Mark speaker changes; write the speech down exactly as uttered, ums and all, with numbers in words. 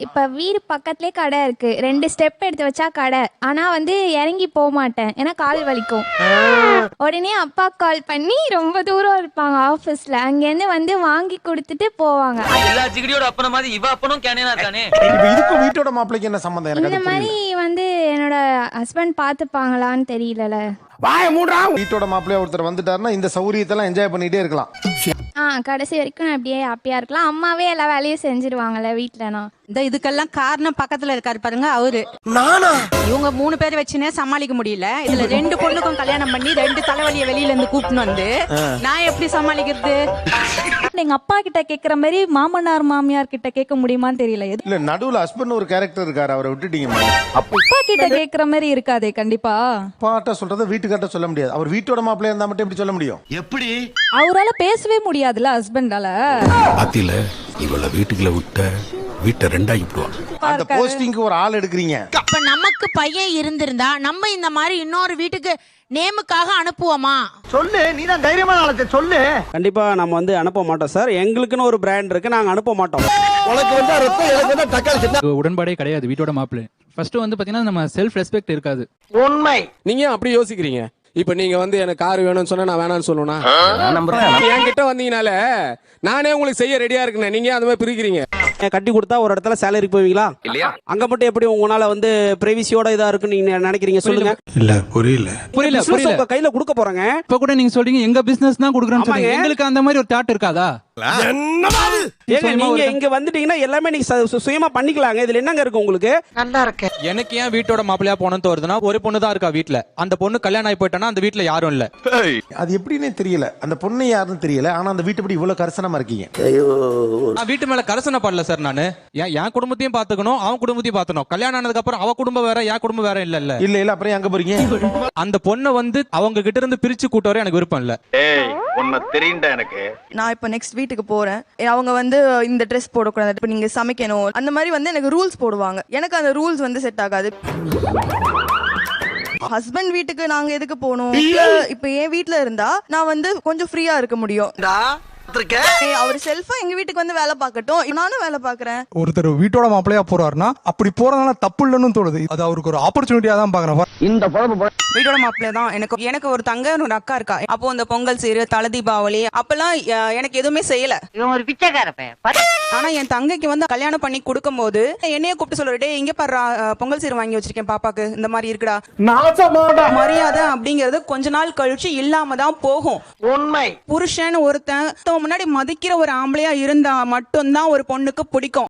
Speaker 1: இப்போ வீடு பக்கத்துலேயே கடை இருக்குது, ரெண்டு ஸ்டெப் எடுத்து வச்சா கடை. ஆனால் வந்து இறங்கி போக மாட்டேன், ஏன்னா கால் வலிக்கும். உடனே அப்பா கால் பண்ணி ரொம்ப தூரம் இருப்பாங்க ஆஃபீஸில், அங்கேருந்து வந்து வாங்கி கொடுத்துட்டு போவாங்க.
Speaker 2: எல்லா ஜிகடியோட அப்பன மாதிரி இவ அப்பனும் கேனேனா இருக்கானே.
Speaker 3: இப்போ இதுக்கும் வீட்டோட மாப்பிளைக்கு என்ன சம்பந்தம்? எனக்கு
Speaker 1: இந்த மாதிரி வந்து என்னோட ஹஸ்பண்ட் பார்த்துப்பாங்களான்னு தெரியல.
Speaker 3: வீட்டோட மாப்பிள்ளைய ஒருத்தர் வந்துட்டாருன்னா இந்த சௌரியத்தெல்லாம் என்ஜாய் பண்ணிட்டே இருக்கலாம்.
Speaker 1: ஆ கடைசி வரைக்கும் நான் அப்படியே ஹாப்பியாக இருக்கலாம். அம்மாவே எல்லா வேலையும் செஞ்சிருவாங்கல்ல வீட்டிலனா.
Speaker 4: இந்த இதுக்கெல்லாம் காரணம் பக்கத்துல இருக்காரு பாருங்க அவரு.
Speaker 3: நானா?
Speaker 4: இவங்க மூணு பேர் வச்சுனே சமாளிக்க முடியல. இதுல ரெண்டு பொண்ணுக்கும் கல்யாணம் பண்ணி ரெண்டு தலைவலியை வெளியில இருந்து கூப்பிட்டு வந்து நான் எப்படி சமாளிக்கிறது?
Speaker 5: எங்க அப்பா கிட்ட கேக்குற மாதிரி மாமனார் மாமியார் கிட்ட கேட்க முடியுமான்னு தெரியல.
Speaker 3: இல்ல நடுவுல ஹஸ்பண்ட் ஒரு கேரக்டர் இருக்காரு, அவரை விட்டுட்டீங்க.
Speaker 5: அப்பா கிட்ட கேக்குற மாதிரி இருக்காதே கண்டிப்பா.
Speaker 3: அப்பாட்ட சொல்றத வீட்டுக்காட்ட சொல்ல முடியாது. அவர் வீட்டோட மாப்பிள்ளையா இருந்தா மட்டும் எப்படி சொல்ல முடியும்? எப்படி
Speaker 5: அவரால பேசவே முடியாதுல ஹஸ்பண்டால.
Speaker 6: பாத்தியில இவள வீட்டுக்குள்ள விட்ட வீட்டை ரெண்டாகி விடுவான்.
Speaker 3: அந்த போஸ்டிங்க்கு ஒரு ஆள் எடுக்கிறீங்க.
Speaker 7: இப்ப நமக்கு பையன் இருந்திருந்தா நம்ம இந்த மாதிரி இன்னொரு வீட்டுக்கு நேமுக்காக அனுப்புவோமா?
Speaker 8: சொல்லு, நீ தான் தைரியமான ஆளத்தை சொல்லு.
Speaker 9: கண்டிப்பா நம்ம வந்து அனுப்ப மாட்டோம் சார். எங்களுக்குன்னு ஒரு பிராண்ட் இருக்கு, நாங்க அனுப்ப மாட்டோம்.
Speaker 8: உனக்கு வந்து ரத்தம், எனக்கு வந்து தக்காளி சட்னி.
Speaker 10: உடன்பாடே கிடையாது வீட்டோட மாப்பிள்ளை. ஃபர்ஸ்ட் வந்து பாத்தீங்கன்னா நம்ம செல்ஃப் ரெஸ்பெக்ட் இருக்காது.
Speaker 8: உண்மை.
Speaker 9: நீங்க அப்படி யோசிக்கிறீங்க. இப்ப நீங்க வந்து எனக்கு கார் வேணும்னு சொன்னா நான் வேணாம்னு சொல்லுவேனா? என்கிட்ட வந்தீங்கனால நானே உங்களுக்கு செய்ய ரெடியா இருக்கேன். நீங்க அந்த மாதிரி பிரிக்கிறீங்க. கட்டி கொடுத்தா ஒரு இடத்துல சேலரி போவீங்களா? இல்லையா? அங்க மட்டும் எப்படி உங்களால வந்து பிரைவசியோட இதா இருக்குன்னு நீங்க நினைக்கிறீங்க? சொல்லுங்க.
Speaker 6: இல்ல புரியல
Speaker 10: புரியல புரியல.
Speaker 9: உங்க கையில கொடுக்க போறேங்க.
Speaker 10: இப்ப கூட நீங்க சொல்றீங்க எங்க பிசினஸ் தான் குடுக்குறேன்னு சொல்றீங்க. எங்களுக்கு அந்த மாதிரி ஒரு தாட் இருக்காதா?
Speaker 9: ஏங்க நீங்க இங்க வந்துட்டீங்கன்னா எல்லாமே நீங்க சுயமா பண்ணிக்கலாங்க. இதுல என்னங்க இருக்கு உங்களுக்கு?
Speaker 8: நல்லா இருக்கு.
Speaker 10: எனக்கு ஏன் வீட்டோட மாப்பிள்ளையா போனது தோறுதுன்னா, ஒரு பொண்ணு தான் இருக்கா வீட்ல. அந்த பொண்ணு கல்யாணம் ஆகி போயிட்டானா அந்த வீட்ல யாரும் இல்ல.
Speaker 3: அது எப்படின்னே தெரியல. அந்த பொண்ணு யாருன்னு தெரியல. ஆனா அந்த வீட்டை படி இவ்வளவு கரிசனமா இருக்கீங்க.
Speaker 10: நான் வீட்டு மேல கரிசனை படல சார். நானு என் குடும்பத்தையும் பாத்துக்கணும், அவன் குடும்பத்தையும் பாத்துக்கணும். கல்யாணம் ஆனதுக்கு அப்புறம் அவ குடும்பம் வேற, என் குடும்பம் வேற இல்ல இல்ல
Speaker 3: இல்ல இல்ல. அப்புறம் எங்க போறீங்க?
Speaker 10: அந்த பொண்ணை வந்து அவங்க கிட்ட இருந்து பிரிச்சு கூட்ட வர எனக்கு விருப்பம் இல்ல.
Speaker 8: எனக்கு
Speaker 11: நான் இப்ப நெக்ஸ்ட் வீட்டுக்கு போறேன். அவங்க வந்து இந்த ட்ரெஸ் போடக்கூடாது, இப்ப நீங்க சமைக்கணும், அந்த மாதிரி வந்து எனக்கு ரூல்ஸ் போடுவாங்க. எனக்கு அந்த ரூல்ஸ் வந்து செட் ஆகாது. ஹஸ்பண்ட் வீட்டுக்கு நாங்க எதுக்கு போகணும்? இப்ப என் வீட்டுல இருந்தா நான் வந்து கொஞ்சம் ஃப்ரீயா இருக்க முடியும். அவர் செல்ஃபா எங்க வீட்டுக்கு வந்து வேலை பார்க்கட்டும், நானும் வேலை பாக்குறேன்.
Speaker 12: ஒருத்தர் வீட்டோட மாப்பிள்ளையா போறாருன்னா அப்படி போறதுனால தப்பு இல்லைன்னு தோணுது. அது அவருக்கு ஒரு ஆப்பர்ச்சுனிட்டியா தான் பாக்குறேன்.
Speaker 8: இந்த குழம்பு
Speaker 4: வீட்டோட மாப்பிள்ளை தான். எனக்கு எனக்கு ஒரு தங்க ஒரு அக்கா இருக்கா. அப்போ அந்த பொங்கல் சீரு, தலை தீபாவளி அப்பெல்லாம் எனக்கு எதுவுமே செய்யல.
Speaker 7: இவன் ஒரு பிச்சைக்கார பையன்.
Speaker 4: ஆனா என் தங்கைக்கு வந்து கல்யாணம் பண்ணி கொடுக்கும் போது என்னைய கூப்பிட்டு சொல்லிட்டு, இங்க பாரு பொங்கல் சீரு வாங்கி வச்சிருக்கேன் பாப்பாக்கு, இந்த மாதிரி இருக்குடா. மரியாதை அப்படிங்கறது கொஞ்ச நாள் கழிச்சு இல்லாம தான் போகும்.
Speaker 8: உண்மை.
Speaker 4: புருஷன் ஒருத்தன் முன்னாடி மதிக்கிற ஒரு ஆம்பளையா இருந்தா மட்டும்தான் ஒரு பொண்ணுக்கு பிடிக்கும்.